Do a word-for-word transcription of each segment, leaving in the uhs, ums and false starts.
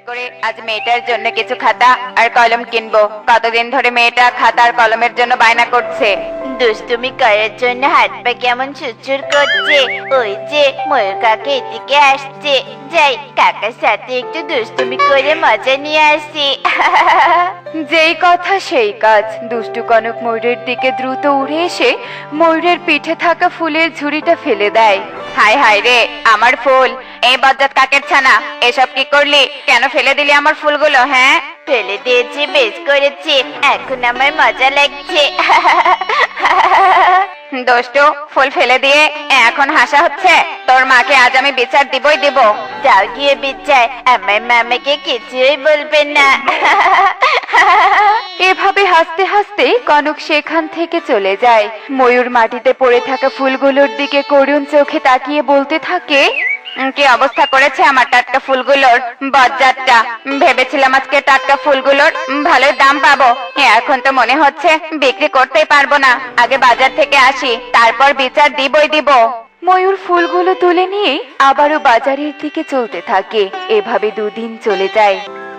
করে আজ মেয়েটার জন্য কিছু খাতা আর কলম কিনবো। কতদিন ধরে মেয়েটা খাতা আর কলমের জন্য বায়না করছে। দুষ্টুমি করার জন্য হাত পা কেমন চুরচুর করছে। ওই যে ময়ূর কাকা এদিকে আসছে, যাই কাকার সাথে একটু দুষ্টুমি করে মজা নিয়ে আসি। যেই কথা সেই কাজ। দুষ্টু কনক ময়ূরের দিকে দ্রুত উড়ে এসে ময়ূরের পিঠে থাকা ফুলের ঝুড়িটা ফেলে দেয়। হায় হায় রে, আমার ফুল! এই বজ্জাত কাকের ছানা, এসব কি করলি? কেন ফেলে দিলি আমার ফুলগুলো? হ্যাঁ, ফেলে দিয়েছি, বেশ করেছি, এখন আমার মজা লাগছে। দুষ্টু, ফুল ফেলে দিয়ে এখন হাসা হচ্ছে? তোর মাকে আজ আমি বিচার দিবই দিব। যাও গিয়ে বিচার, আমার মামাকে কিছুই বলবেন না। এভাবে হাসতে হাসতে কনক সেখান থেকে চলে যায়। ময়ূর মাটিতে পড়ে থাকা ফুলগুলোর দিকে করুণ চোখে তাকিয়ে বলতে থাকে, উম, কি অবস্থা করেছে আমার টাটকা ফুলগুলোর বজ্জাতটা। ভেবেছিলাম আজকে টাটকা ফুলগুলোর উম, ভালোই দাম পাবো, এখন তো মনে হচ্ছে বিক্রি করতেই পারবো না। আগে বাজার থেকে আসি, তারপর বিচার দিবই দিব। ময়ূর ফুলগুলো তুলে নিয়ে আবারও বাজারের দিকে চলতে থাকে। এভাবে দুদিন চলে যায়।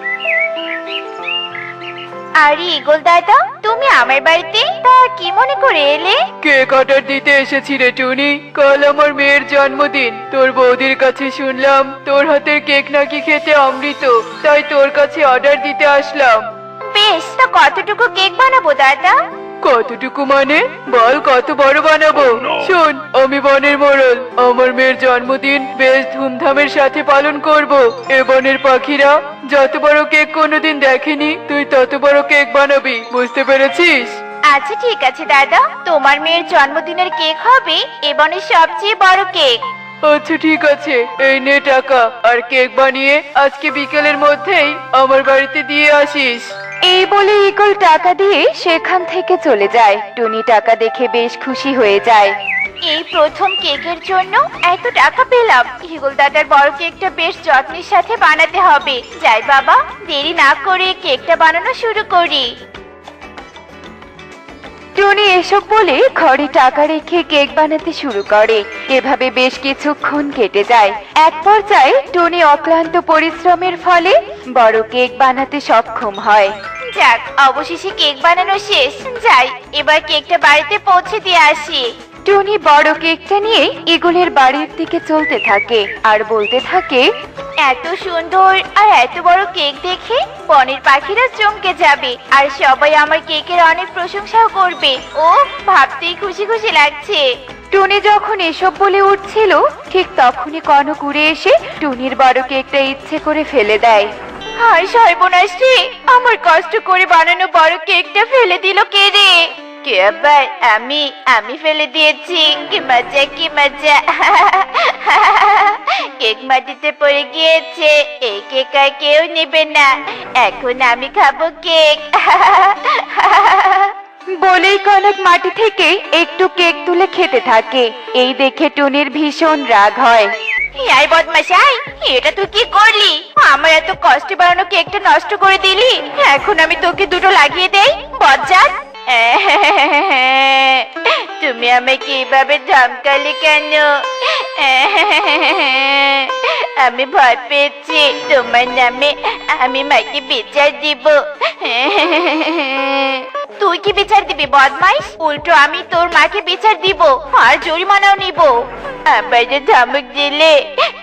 আরে ইগল দাদা, তুমি আমার বাড়িতে তা কি মনে করে এলে? কেক অর্ডার দিতে এসেছি রে টুনি। কাল আমার মেয়ের জন্মদিন। তোর বৌদির কাছে শুনলাম তোর হাতের কেক নাকি খেতে অমৃত, তাই তোর কাছে অর্ডার দিতে আসলাম। বেশ, তা কতটুকু কেক বানাবো দাদা? কতটুকু মানে? বল কত বড় বানাবো? শোন, আমি বনের মোড়ল, আমার মেয়ের জন্মদিন বেশ ধুমধামের সাথে পালন করব। এ বনের পাখিরা যত বড় কেক কোনোদিন দেখেনি, তুই তত বড় কেক বানাবি, বুঝতে পেরেছিস? আচ্ছা ঠিক আছে দাদা, তোমার মেয়ের জন্মদিনের কেক হবে এবনের সবচেয়ে বড় কেক। আচ্ছা ঠিক আছে, এই নে টাকা, আর কেক বানিয়ে আজকে বিকেলের মধ্যেই আমার বাড়িতে দিয়ে আসিস। এই বলে ইগল টাকা দিয়ে সেখান থেকে চলে যায়। টুনি টাকা দেখে বেশ খুশি হয়ে যায়। এই প্রথম কেকের জন্য এত টাকা পেলাম। ইগল দাদার বড় কেকটা বেশ যত্নের সাথে বানাতে হবে। যাই বাবা, দেরি না করে কেকটা বানানো শুরু করি। টুনি এসব বলে ঘরে টাকা রেখে কেক বানাতে শুরু করে। এভাবে বেশ কিছুক্ষণ কেটে যায়। এক পর্যায়ে টুনি অক্লান্ত পরিশ্রমের ফলে বড় কেক বানাতে সক্ষম হয়। যাক, অবশেষে কেক বানানো শেষ। যাই এবার কেকটা বাড়িতে পৌঁছে দিয়ে আসি। টুনি বড় কেকটা নিয়ে ইগলের বাড়ির দিকে চলতে থাকে আর বলতে থাকে, এত সুন্দর আর এত বড় কেক দেখে বনের পাখিরা চমকে যাবে, আর সবাই আমার কেকের অনেক প্রশংসাও করবে। ও ভাবতেই খুশি খুশি লাগছে। টুনি যখন এসব বলে উঠছিল, ঠিক তখনই কনক উড়ে এসে টুনির বড় কেকটা ইচ্ছে করে ফেলে দেয়। হায় সর্বনাশ রে, আমার কষ্ট করে বানানো বড় কেকটা ফেলে দিল কে রে? কে আবার? আমি আমি ফেলে দিয়েছি। কি মজা, কি মজা! কেক মাটিতে পড়ে গিয়েছে, এই কেক আর কেউ নেবে না। এখন আমি খাবো কেক। বলেই কনক মাটি থেকে একটু কেক তুলে খেতে থাকে। এই দেখে টুনির ভীষণ রাগ হয়। এই বদমাশাই, এটা তুই কি করলি? আমার এত কষ্টে বানানো কেকটা নষ্ট করে দিলি। এখন আমি তোকে দুটো লাগিয়ে দেই, বজ্জাত! তুমি আমাকে এইভাবে ধমকালে কেন? আমি ভয় পেয়েছি। তোমার নামে আমি মাকে বিচার দিব। তুই কি বিচার দিবি বদমাইশ? উল্টো আমি তোর মাকে বিচার দিব আর জরিমানাও নিব। আবার যে ধমক দিলে।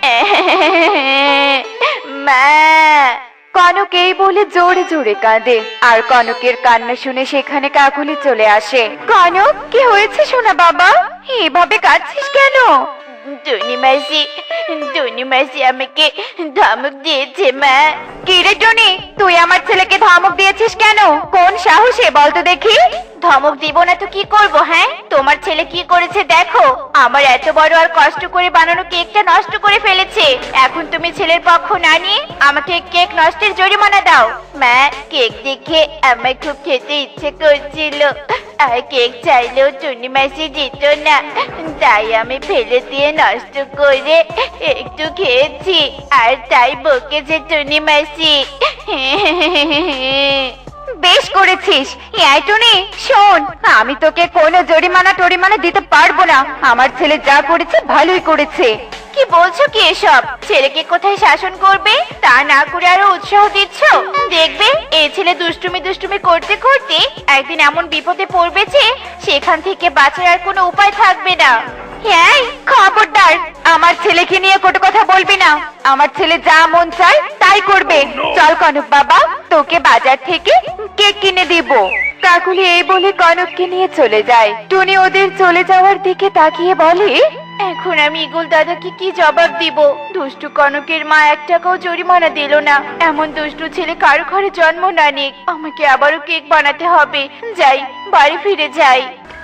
মা! কনক এই বলে জোরে জোরে কাঁদে। আর কনকের কান্না শুনে সেখানে কাকুলি চলে আসে। কনক, কি হয়েছে সোনা বাবা? এভাবে কাঁদছিস কেন? টুনি মাসি, টুনি মাসি আমাকে ধমক দিয়েছে মা। কি রে টুনি, তুই আমার ছেলেকে ধমক দিয়েছিস কেন? কোন সাহসে বলতো দেখি? ধমক দিব না তো কি করব? হ্যাঁ, তোমার ছেলে কি করেছে দেখো। আমার এত বড় আর কষ্ট করে বানানো কেকটা নষ্ট করে ফেলেছে। এখন তুমি ছেলের পক্ষ না নিয়ে আমাকে কেক নষ্টের জরিমানা দাও। মা, কেক দেখে আমার খুব খেতে ইচ্ছে করছিল, আর কেক চাইলেও টুনি মাসি দিত না, তাই আমি ফেলে দিয়ে নষ্ট করে একটু খেয়েছি, আর তাই বকেছে টুনি মাসি। বেশ করেছিস। এই টুনি শোন, আমি তোকে কোনো জরিমানা টরিমানা দিতে পারবো না। আমার ছেলে যা করেছে ভালোই করেছে। কি বলছো কি এসব? ছেলেকে কোথায় শাসন করবে তা না করে আরো উৎসাহ দিচ্ছ। দেখবে এই ছেলে দুষ্টুমি দুষ্টুমি করতে করতে একদিন এমন বিপদে পড়বে যে সেখান থেকে বাঁচার আর কোনো উপায় থাকবে না। এই খবরদার, আমার ছেলেকে নিয়ে কটু কথা বলবি না। আমার ছেলে যা মন চায় তাই করবে। চল কনক বাবা, তোকে বাজার থেকে কেক কিনে দিব। কাকুলি এই বলে কনককে নিয়ে চলে যায়। টুনি ওদের চলে যাওয়ার দিকে তাকিয়ে বলে, এখন আমি ইগল দাদাকে কি জবাব দিব? দুষ্টু কনকের মা এক টাকাও জরিমানা দিল না। এমন দুষ্টু ছেলে কারো ঘরে জন্ম না নিক। আমাকে আবারও কেক বানাতে হবে। যাই, বাড়ি ফিরে যাই।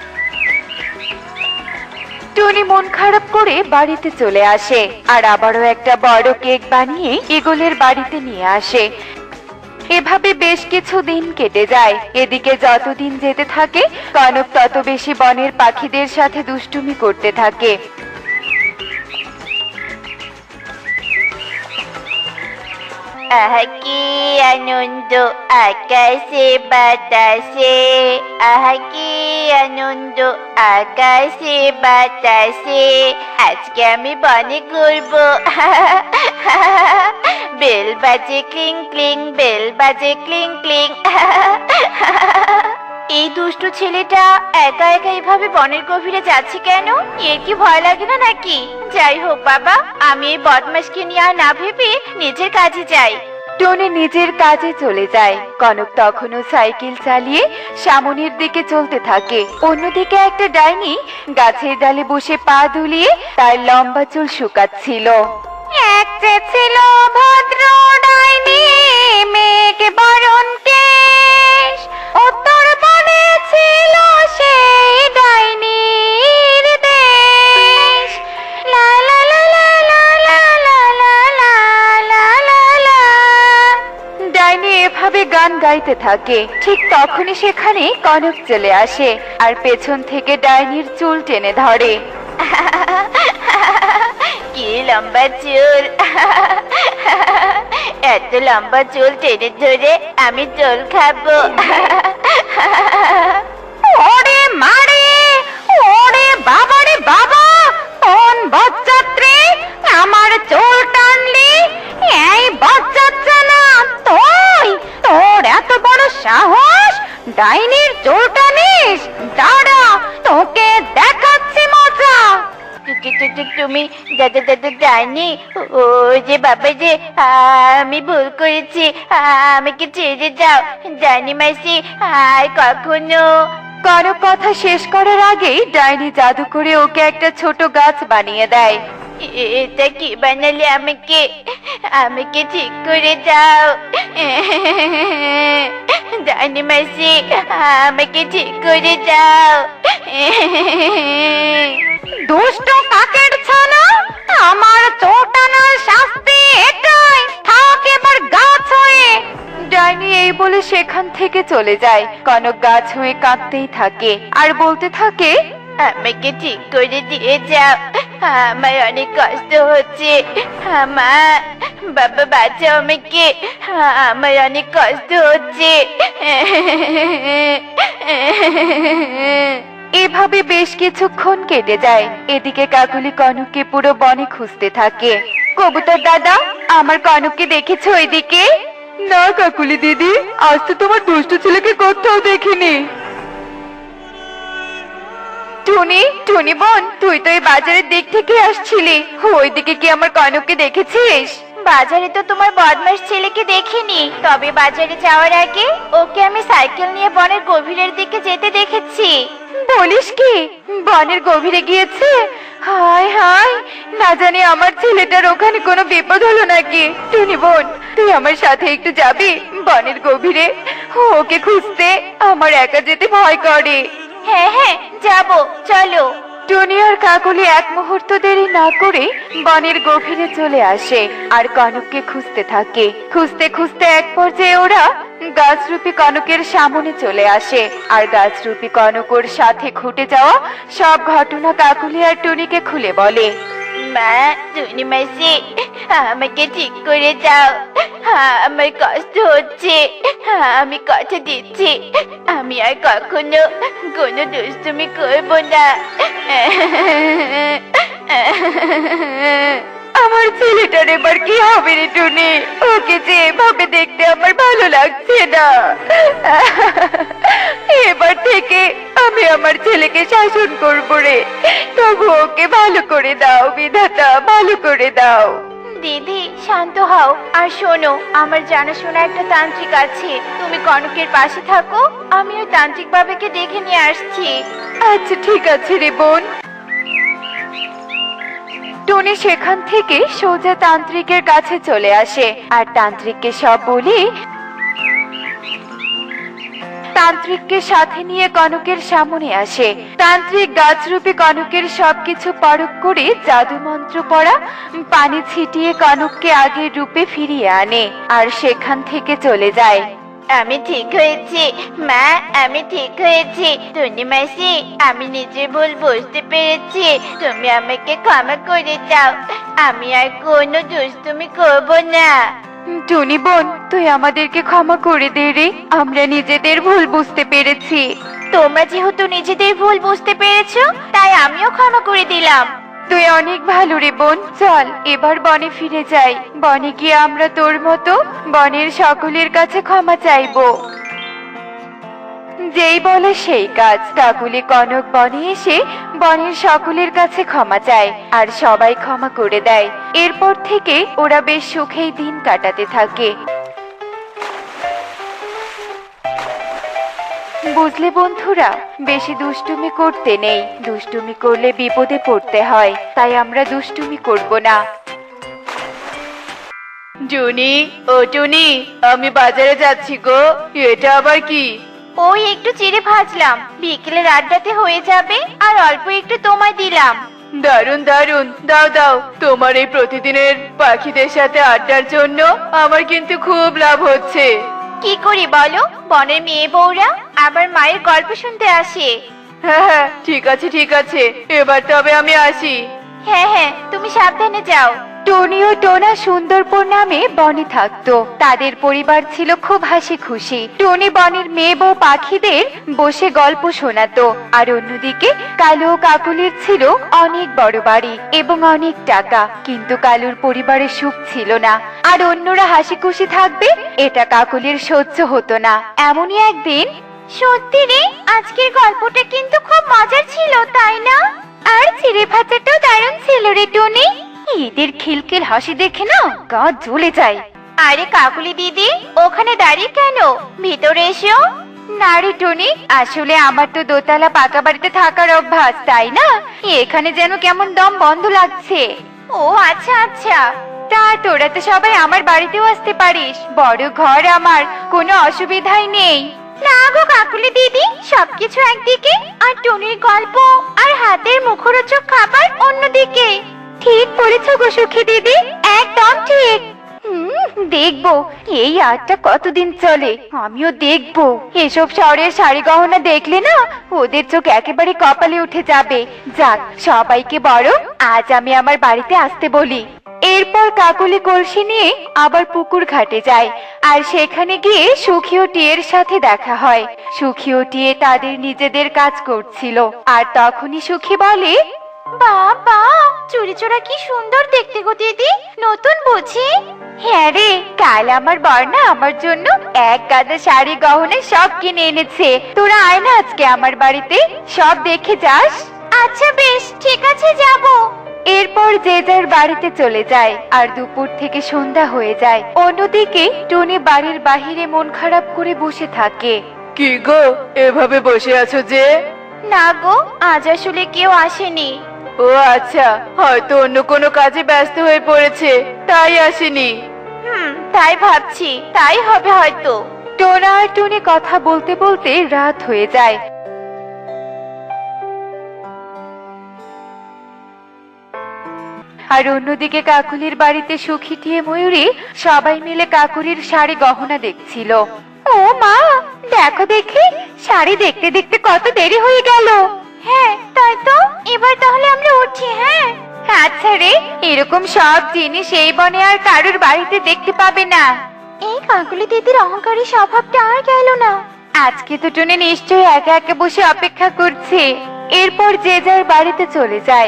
টুনি মন খারাপ করে বাড়িতে চলে আসে আর আবারও একটা বড় কেক বানিয়ে ইগলের বাড়িতে নিয়ে আসে। এভাবে বেশ কিছু দিন কেটে যায়। এদিকে যতদিন যেতে থাকে কনক তত বেশি বনের পাখিদের সাথে দুষ্টুমি করতে থাকে। আহা কি আনন্দ আকাশে বাতাসে, আহা কি আনন্দ আকাশে বাতাসে। আজকে আমি বনে ঘুরবো। বেল বাজে ক্লিং ক্লিং, বেল বাজে ক্লিং ক্লিং। এই দুষ্টু ছেলেটা একা একা এইভাবে বনের গভীরে যাচ্ছে কেন? এর কি ভয় লাগে না নাকি? যাই হোক বাবা, আমি এই বদমাশকে নিয়ে আর না ভেবে নিজের কাজে যাই। টনি নিজের কাজে চলে যায়। কনক তখনও সাইকেল চালিয়ে সামনের দিকে চলতে থাকে। অন্যদিকে একটা ডাইনি গাছের ডালে বসে পা দুলিয়ে তার লম্বা চুল শুকাচ্ছিল। এক যে ছিল ভদ্র ডাইনি, মেঘে বরণ কেশ, উত্তর বনে ছিল সেই ডাইনির দেশ। লা লা লা লা লা লা লা লা লা লা লা। ডাইনি এভাবে গান গাইতে থাকে। ঠিক তখনই সেখানে কনক চলে আসে আর পেছন থেকে ডাইনির চুল টেনে ধরে। কি লম্বা চুল! এত লম্বা চুল টেনে ধরে আমি চুল খাবো। ওরে মারে, ওরে বাবারে বাবা, কোন বজ্জাত্রে আমার চুল টানলি? এই বজ্জাত্রা না তুই? তোর এত বড় সাহস, ডাইনির চুল টানিস? দাঁড়া, তোকে দেখাচ্ছি মজা। তুমি দাদা দাদা জানি ও যে বাবা যে আমি ভুল করেছি, আমাকে ছেড়ে যাও। জানি মাসি আর কখনো। কনক কথা শেষ করার আগেই ডাইনি জাদু করে ওকে একটা ছোট গাছ বানিয়ে দেয়। এটা কি বানালে আমাকে? আমাকে ঠিক করে দাও জানি মাসি, আমাকে ঠিক করে দাও। দুষ্ট কাকের ছানা, আমার চোটানোর শাস্তি এটাই। থাক এবার গাছ হয়ে। ডাইনি এই বলে সেখান থেকে চলে যায়। কনক গাছ হয়ে কাঁদতেই থাকে আর বলতে থাকে, আমাকে ঠিক করে দিয়ে যাও, আমার অনেক কষ্ট হচ্ছে। আমার বাবা বাঁচাও আমাকে, আমার অনেক কষ্ট হচ্ছে। এভাবে বেশ কিছুক্ষণ কেটে যায়। এদিকে কাকুলি কনককে পুরো বনে খুঁজতে থাকে। কবুতর দাদা, আমার কনককে দেখেছো এদিকে? না কাকুলি দিদি, আজ তো তোমার দুষ্টু ছেলেকে কোথাও দেখিনি। টুনি, টুনি বোন, তুই তো এই বাজারের দিক থেকে আসছিলি, ওইদিকে কি আমার কনককে দেখেছিস? বাজারে তো তোমার বদমাস ছেলেকে দেখিনি, তবে বাজারে যাওয়ার আগে ওকে আমি সাইকেল নিয়ে বনের গভীরের দিকে যেতে দেখেছি। বলিস কি, বনের গভীরে গিয়েছে? হায় হায়, না জানি আমার ছেলেটার ওখানে কোনো বিপদ হলো নাকি। টুনি বোন, তুই আমার সাথে একটু যাবি বনের গভীরে? ওকে খুঁজতে আমার একা যেতে ভয় করে। হ্যাঁ হ্যাঁ যাবো, চলো। টুনি আর কাকলি এক মুহূর্ত দেরি না করে বনের গভীরে চলে আসে আর কনককে খুঁজতে থাকে। খুঁজতে খুঁজতে এক পর্যায়ে ওরা গাছরূপী কনকের সামনে চলে আসে আর গাছরূপী কনক ওর সাথে ঘটে যাওয়া সব ঘটনা কাকলি আর টুনিকে খুলে বলে। মা, টুনি মাসি, আমাকে ঠিক করে দাও। আমার কষ্ট হচ্ছে। আমি কথা দিচ্ছি আমি আর কখনো কোনো দুষ্টুমি করব না। আমার ছেলেটার এবার কি হবে রে টুনি? ওকে যে এভাবে দেখতে আমার ভালো লাগছে না। এবার থেকে আমি আমার ছেলেকে শাসন করব রে। তবু ওকে ভালো করে দাও বিধাতা, ভালো করে দাও। দিদি শান্ত হও আর শোনো, আমার জানাশোনা একটা তান্ত্রিক আছে, তুমি কনকের পাশে থাকো, আমি ওই তান্ত্রিক বাবাকে দেখে নিয়ে আসছি। আচ্ছা ঠিক আছে রে বোন। টুনি সেখান থেকে সোজা তান্ত্রিকের কাছে চলে আসে আর তান্ত্রিককে সব বলে তান্ত্রিককে সাথে নিয়ে কনকের সামনে আসে। তান্ত্রিক গাছরূপী কনকের সবকিছু পরখ করে জাদু মন্ত্র পড়া পানি ছিটিয়ে কনককে আগের রূপে ফিরিয়ে আনে আর সেখান থেকে চলে যায়। আমি ঠিক হয়েছি মা, আমি ঠিক হয়েছি। টুনি মাসি, আমি নিজের ভুল বুঝতে পেরেছি, তুমি আমাকে ক্ষমা করে দাও। আমি আর কোনো দুষ্টুমি করব না। টুনি বোন, তুই আমাদেরকে ক্ষমা করে দে রে, আমরা নিজেদের ভুল বুঝতে পেরেছি। তোমরা যেহেতু নিজেদের ভুল বুঝতে পেরেছো, তাই আমিও ক্ষমা করে দিলাম। তুই অনেক ভালো রে বোন, চল এবার বনে ফিরে যাই। বনে গিয়ে আমরা তোর মতো বনের সকলের কাছে ক্ষমা চাইবো। যেই বলে সেই কাজ, কাকুলি কনক বনে এসে বনের সকলের কাছে ক্ষমা চায় আর সবাই ক্ষমা করে দেয়। এরপর থেকে ওরা বেশ সুখেই দিন কাটাতে থাকে। বুঝলে বন্ধুরা, বেশি দুষ্টুমি করতে নেই, দুষ্টুমি করলে বিপদে পড়তে হয়, তাই আমরা দুষ্টুমি করব না। টুনি, ও টুনি, আমি বাজারে যাচ্ছি গো। এটা আবার কি? ওই একটু চিড়ে ভাজলাম, বিকেলের আড্ডাতে হয়ে যাবে, আর অল্প একটু তোমায় দিলাম। দারুন দারুন, দাও দাও। তোমার এই প্রতিদিনের পাখিদের সাথে আড্ডার জন্য আমার কিন্তু খুব লাভ হচ্ছে। কি করি বলো, বনের মেয়ে বউরা আবার মায়ের গল্প শুনতে আসে। হ্যাঁ হ্যাঁ, ঠিক আছে ঠিক আছে, এবার তবে আমি আসি। হ্যাঁ হ্যাঁ, তুমি সাবধানে যাও। টনি ও টোনা সুন্দরপুর নামে বনে থাকতো। তাদের পরিবার ছিল খুব হাসি খুশি। টনি বনের মেয়ে বউ পাখিদের বসে গল্প শোনাতো, আর অন্যদিকে কালু ও কাকুলির ছিল অনেক বড় বাড়ি এবং অনেক টাকা, কিন্তু কালুর পরিবারের সুখ ছিল না, আর অন্যরা হাসি খুশি থাকবে এটা কাকুলির সহ্য হতো না। এমনই একদিন, সত্যি রে, আজকের গল্পটা কিন্তু খুব মজার ছিল, তাই না? আর চিড়ে ভাজাটাও দারুণ ছিল রে টনি। এদের খিলখিল হাসি দেখে না গা জ্বলে যায়। আরে কাকুলি দিদি, ওখানে দাঁড়িয়ে কেন? ভিতরে এসো। না রে টনি, আসলে আমার তো দোতলা পাকা বাড়িতে থাকার অভ্যাস, তাই না এখানে যেন কেমন দম বন্ধ লাগছে। ও আচ্ছা আচ্ছা। তা তোরা তো সবাই আমার বাড়িতেও আসতে পারিস, বড় ঘর আমার, কোনো অসুবিধাই নেই। না গো কাকুলি দিদি, সবকিছু একদিকে আর টুনির গল্প আর হাতের মুখরোচক খাবার অন্যদিকে। ঠিক বলেছ গো সুখী দিদি, একদম ঠিক। হুম, দেখবো এই আটটা কতদিন চলে, আমিও দেখবো। এসব শহরের শাড়ি গহনা দেখলে না ওদের চোখ একেবারে কপালে উঠে যাবে। যাক, সবাইকে বড় আজ আমি আমার বাড়িতে আসতে বলি। এরপর কাকুলি কলসি নিয়ে আবার পুকুর ঘাটে যায়, আর সেখানে গিয়ে সুখী ও টিয়ের সাথে দেখা হয়। সুখী ও টিয়ে তাদের নিজেদের কাজ করছিল, আর তখনই সুখী বলে, বাবা, চুরি চোরা কি সুন্দর দেখতে গো দিদি, নতুন বুঝি? হ্যাঁ রে, কাল আমার বর্ণা আমার জন্য এক গাদা শাড়ি গহনা সব কিনে এনেছে। তোরা আয় না আজকে আমার বাড়িতে, সব দেখে যাস। আচ্ছা বেশ, ঠিক আছে যাব। এরপর যে যার বাড়িতে চলে যায়, আর দুপুর থেকে সন্ধ্যা হয়ে যায়। অন্যদিকে টনি বাড়ির বাহিরে মন খারাপ করে বসে থাকে। কি গো, এভাবে বসে আছো যে? না গো, আজ আসলে কেউ আসেনি। ও আচ্ছা, হয়তো অন্য কোনো কাজে ব্যস্ত হয়ে পড়েছে, তাই আসেনি। হুম, তাই ভাবছি, তাই হবে হয়তো। টোনা আর টনি কথা বলতে বলতে রাত হয়ে যায়। আর অন্যদিকে কাকুলির বাড়িতে সুখী টিয়ে ময়ূরী সবাই মিলে কাকুলির শাড়ি গহনা দেখছিল। ও মা, দেখো দেখি, শাড়ি দেখতে দেখতে কত দেরি হয়ে গেল। হ্যাঁ তাই তো, এবার তাহলে আমরা উঠি। হ্যাঁ আচ্ছা রে, এরকম সব জিনিস এই বনে আর কারোর বাড়িতে দেখতে পাবে না। এই কাকুলি দিদির অহংকারী স্বভাবটা আর গেল না। আজকে তো টুনি নিশ্চয়ই একা একা বসে অপেক্ষা করছে। এরপর যে যার বাড়িতে চলে যায়।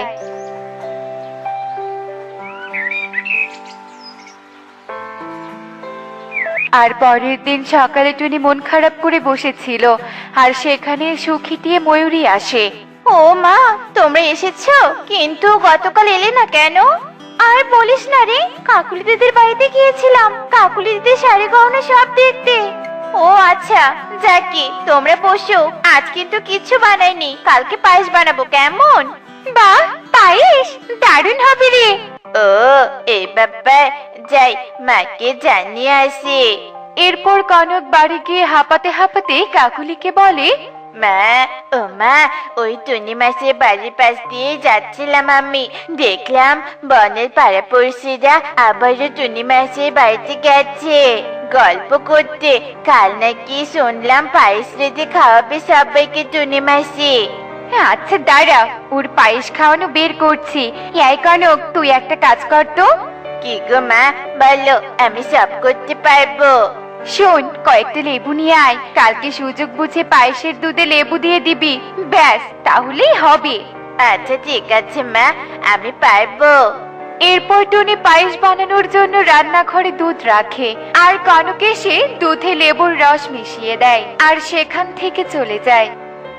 আর পরের দিন সকালে টুনি মন খারাপ করে বসেছিল, আর সেখানে সুখিটিয়ে ময়ূরী আসে। ও মা, তোমরা এসেছো, কিন্তু গতকাল এলে না কেন? আর বলিস না রে, কাকুলি দিদির বাড়িতে গিয়েছিলাম কাকুলি দিদির শাড়ি গহনা সব দেখতে। ও আচ্ছা, যাকে তোমরা বসো, আজ কিন্তু কিচ্ছু বানাইনি, কালকে পায়েস বানাবো, কেমন? বাহ, পায়েস দারুণ হবে রে। ও এই ব্যাপার, যাই মাকে জানিয়ে আসি। এরপর কনক বাড়ি গিয়ে হাঁপাতে হাঁপাতে কাকুলিকে বলে, মা, ও মা, ওই টুনি মাসের বাড়ির পাশ দিয়ে যাচ্ছিলাম আমি, দেখলাম বনের পাড়াপড়শিরা আবারও টুনি মাসের বাড়িতে গেছে গল্প করতে। কাল নাকি শুনলাম পায়েস রেঁধে খাওয়াবে সবাইকে টুনি মাসি। আচ্ছা দাঁড়া, ওর পায়েস খাওয়ানো বের করছি। এই কনক, তুই একটা কাজ কর তো। কি গো মা, বলো, আমি সব করতে পারবো। শোন, কয়েকটা লেবু নিয়ে আয়, কালকে সুযোগ বুঝে পায়েসের দুধে লেবু দিয়ে দিবি, ব্যাস তাহলেই হবে। আচ্ছা ঠিক আছে মা, আমি পারবো। এরপর টুনি পায়েস বানানোর জন্য রান্নাঘরে দুধ রাখে, আর কনক এসে দুধে লেবুর রস মিশিয়ে দেয়, আর সেখান থেকে চলে যায়।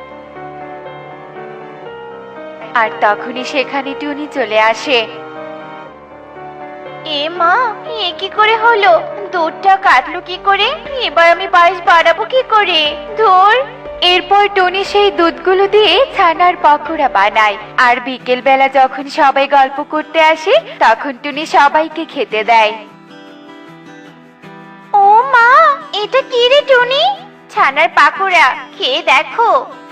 আর তখনই সেখানে টুনি চলে আসে। এ মা, এ কি করে হলো? দুধটা কাটলো কি করে? এবার আমি পায়েস বানাবো কি করে? ধুর। এরপর টুনি সেই দুধগুলো দিয়ে ছানার পকোড়া বানায়, আর বিকেল বেলা যখন সবাই গল্প করতে আসে তখন টুনি সবাইকে খেতে দেয়। ও মা, এটা কি রে টুনি? ছানার পাকোড়া, খেয়ে দেখো।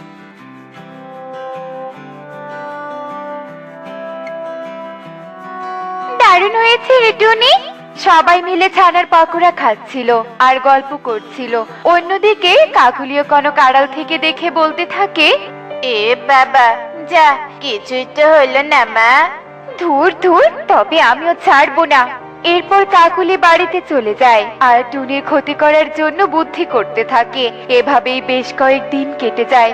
দারুণ হয়েছে রে টুনি। সবাই মিলে ছানার পকোড়া খাচ্ছিল আর গল্প করছিল। অন্যদিকে কাকুলিও কনক আড়াল থেকে দেখে বলতে থাকে, এ বাবা, যা, কিছুই তো হলো না মা। ধুর ধুর, তবে আমিও ছাড়বো না। এরপর কাকুলি বাড়িতে চলে যায় আর টুনির ক্ষতি করার জন্য বুদ্ধি করতে থাকে। এভাবেই বেশ কয়েকদিন কেটে যায়।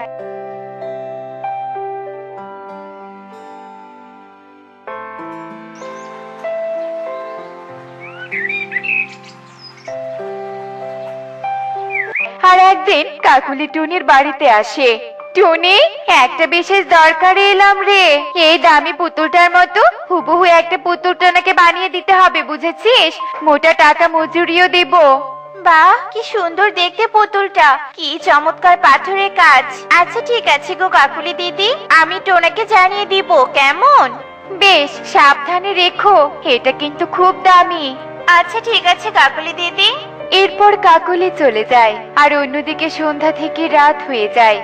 আর একদিন কাকুলি টুনির বাড়িতে আসে। টুনি, একটা বিশেষ দরকারে এলাম রে। এই দামি পুতুলটার মতো হুবহু একটা পুতুল টোনাকে বানিয়ে দিতে হবে, বুঝেছিস? মোটা টাকা মজুরিও দেব। বাহ, কি সুন্দর দেখতে পুতুলটা, কি চমৎকার পাথরের কাজ। আচ্ছা ঠিক আছে গো কাকুলি দিদি, আমি টোনাকে জানিয়ে দিব, কেমন? বেশ, সাবধানে রেখো, এটা কিন্তু খুব দামি। আচ্ছা ঠিক আছে কাকুলি দিদি। এরপর কাকুলি চলে যায়, আর অন্যদিকে সন্ধ্যা থেকে রাত হয়ে যায়।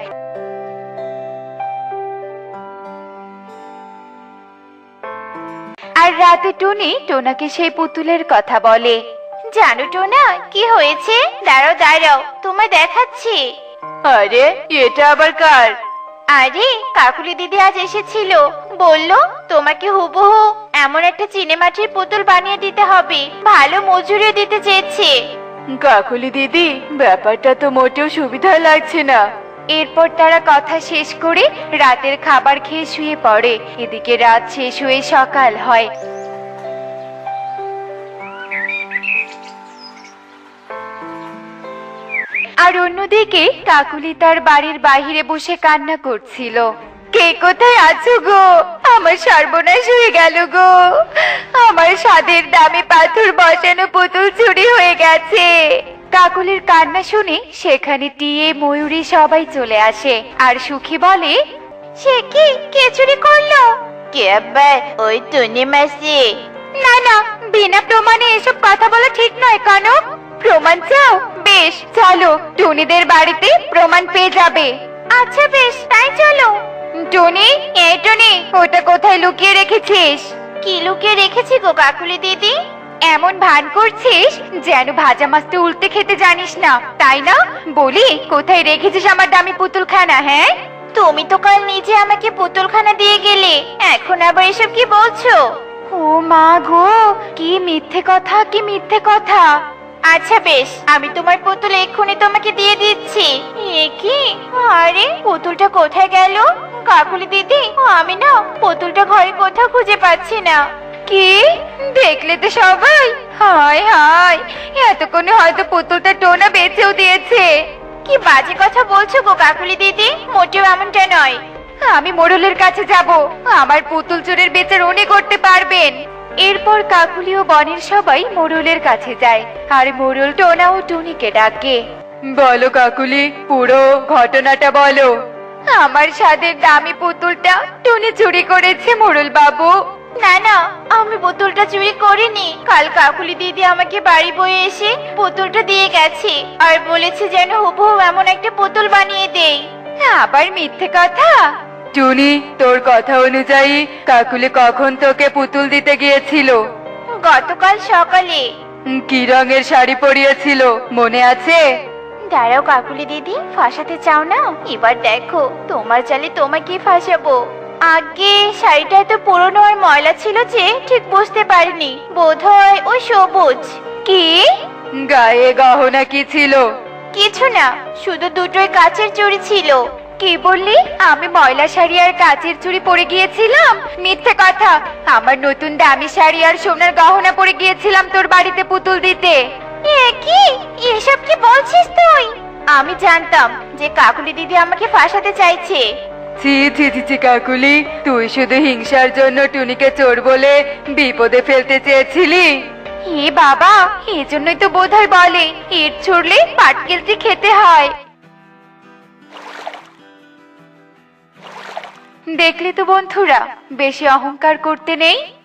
আর রাতে টুনি টোনাকে সেই পুতুলের কথা বলে। জানো টোনা, কি হয়েছে? দাঁড়াও দাঁড়াও, তোমায় দেখাচ্ছি। আরে, এটা আবার কার? আরে, কাকুলি দিদি আজ এসেছিল, বলল তোমাকে হুবহু এমন একটা চিনেমাটির পুতুল বানিয়ে দিতে হবে, ভালো মজুরি দিতে চেয়েছে। কাকুলি দিদি, ব্যাপারটা তো মোটেও সুবিধা লাগছে না। এরপর তারা কথা শেষ করে রাতের খাবার খেয়ে শুয়ে পড়ে। এদিকে রাত শেষ হয়ে সকাল হয়। আর অন্যদিকে কাকুলি তার বাড়ির বাইরে বসে কান্না করছিল। কে কোথায় আছো গো? আমার সর্বনাশ হয়ে গেল গো। আমার স্বাদের দামি পাথর বসানো পুতুল চুরি হয়ে গেছে। কাকুলির কান্না শুনে সেখানে টিয়ে ময়ূরী সবাই চলে আসে, আর সুখী বলে, সে কি, কে চুরি করলো? কে আবার? ওই টুনি মাসি। না না, বিনা প্রমাণে এসব কথা বলা ঠিক নয় কনক। প্রমাণ চাও? বেশ, চলো, টুনিদের বাড়িতে প্রমাণ পেয়ে যাবে। আচ্ছা বেশ, তাই চলো। টুনি, এই টুনি, ওটা কোথায় লুকিয়ে রেখেছিস? কি লুকিয়ে রেখেছি গো কাকুলি দিদি? এমন ভান করছিস যেন ভাজা মাছটা উল্টে খেতে জানিস না, তাই না? বলি, কোথায় রেখেছিস আমার দামি পুতুলখানা? হ্যাঁ, তুমি তো কাল নিজে আমাকে পুতুলখানা দিয়ে গেলে, এখন আবার এসব কি বলছো? ও ও মা গো, কি মিথ্যে কথা, কি মিথ্যে কথা। আচ্ছা বেশ, আমি তোমার পুতুল এক্ষুনি তোমাকে দিয়ে দিচ্ছি। এ কি? আরে পুতুলটা কোথায় গেল? কাকুলি দিদি, আমি না পুতুলটা ঘরে কোথাও খুঁজে পাচ্ছি না। কি দেখলে তো সবাই? হায় হায়, এতক্ষণে হয়তো পুতুলটা টোনা বেচেও দিয়েছে। কি বাজে কথা বলছো গো কাকুলি দিদি, মোটেও এমনটা নয়। আমি মোড়লের কাছে যাব, আমার পুতুল চোরের বিচার উনি করতে পারবেন। এরপর কাকুলি ও বনের সবাই মোড়লের কাছে যায়, আর মোড়ল টোনা ও টুনিকে ডাকে। বলো কাকুলি, পুরো ঘটনাটা বলো। আমার স্বাদের দামি পুতুলটা টুনি চুরি করেছে মোড়ল বাবু। না না, আমি পুতুলটা চুরি করিনি। কাল কাকুলি দিদি আমাকে বাড়ি বয়ে এসে পুতুলটা দিয়ে গেছে, আর বলেছে যেন হুবহু এমন একটা পুতুল বানিয়ে দেই। আবার মিথ্যে কথা। টুনি, তোর কথা অনুযায়ী কাকুলি কখন তোকে পুতুল দিতে গিয়েছিল? গতকাল সকালে। উম, কি রঙের শাড়ি পরিয়েছিল মনে আছে? দাঁড়াও কাকুলি দিদি, ফাঁসাতে চাও না? এবার দেখো তোমার চালে তোমাকে ফাঁসাবো। আগে শাড়িটা এত পুরনো আর ময়লা ছিল যে ঠিক বুঝতে পারিনি, বোধহয় ওই সবুজ। কি? গায়ে গহনা কি ছিল? কিছু না, শুধু দুটোই কাচের চুড়ি ছিল। কি বললি? আমি ময়লা শাড়ি আর কাচের চুড়ি পরে গিয়েছিলাম? মিথ্যে কথা। আমার নতুন দামি শাড়ি আর সোনার গহনা পরে গিয়েছিলাম তোর বাড়িতে পুতুল দিতে। এ কি? এসব কি বলছিস তুই? আমি জানতাম যে কাকুলি দিদি আমাকে ফাঁসাতে চাইছে। ছি ছি ছি ছি কাকুলি, তুই শুধু হিংসার জন্য টুনিকে চোর বলে বিপদে ফেলতে চেয়েছিলি। হে বাবা, এজন্যই তো বোধহয় বলে ইট ছুড়লে পাটকেলটি খেতে হয়। দেখলি তো বন্ধুরা, বেশি অহংকার করতে নেই।